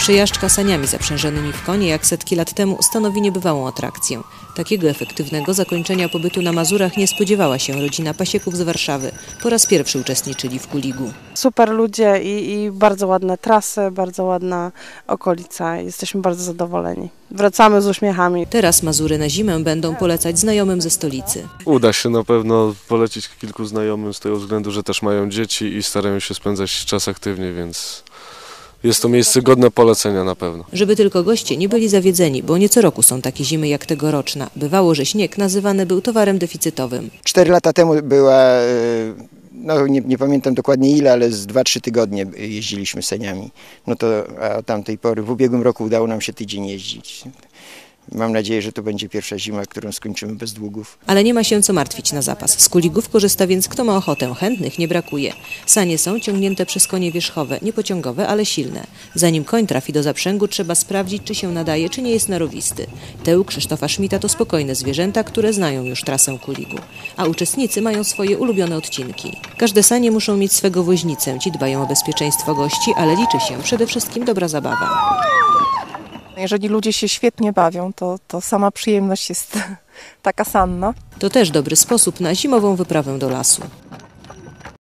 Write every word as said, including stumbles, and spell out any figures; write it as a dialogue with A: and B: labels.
A: Przejażdżka saniami zaprzężonymi w konie jak setki lat temu stanowi niebywałą atrakcję. Takiego efektywnego zakończenia pobytu na Mazurach nie spodziewała się rodzina Pasieków z Warszawy. Po raz pierwszy uczestniczyli w Kuligu.
B: Super ludzie i, i bardzo ładne trasy, bardzo ładna okolica. Jesteśmy bardzo zadowoleni. Wracamy z uśmiechami.
A: Teraz Mazury na zimę będą polecać znajomym ze stolicy.
C: Uda się na pewno polecić kilku znajomym z tego względu, że też mają dzieci i starają się spędzać czas aktywnie, więc jest to miejsce godne polecenia na pewno.
A: Żeby tylko goście nie byli zawiedzeni, bo nie co roku są takie zimy jak tegoroczna. Bywało, że śnieg nazywany był towarem deficytowym.
D: Cztery lata temu była, no nie, nie pamiętam dokładnie ile, ale z dwa, trzy tygodnie jeździliśmy saniami. No to a od tamtej pory, w ubiegłym roku udało nam się tydzień jeździć. Mam nadzieję, że to będzie pierwsza zima, którą skończymy bez długów.
A: Ale nie ma się co martwić na zapas. Z Kuligów korzysta więc kto ma ochotę. Chętnych nie brakuje. Sanie są ciągnięte przez konie wierzchowe, nie pociągowe, ale silne. Zanim koń trafi do zaprzęgu, trzeba sprawdzić, czy się nadaje, czy nie jest narowisty. Te u Krzysztofa Schmidta to spokojne zwierzęta, które znają już trasę Kuligu. A uczestnicy mają swoje ulubione odcinki. Każde sanie muszą mieć swego woźnicę. Ci dbają o bezpieczeństwo gości, ale liczy się przede wszystkim dobra zabawa.
E: Jeżeli ludzie się świetnie bawią, to, to sama przyjemność jest taka sama.
A: To też dobry sposób na zimową wyprawę do lasu.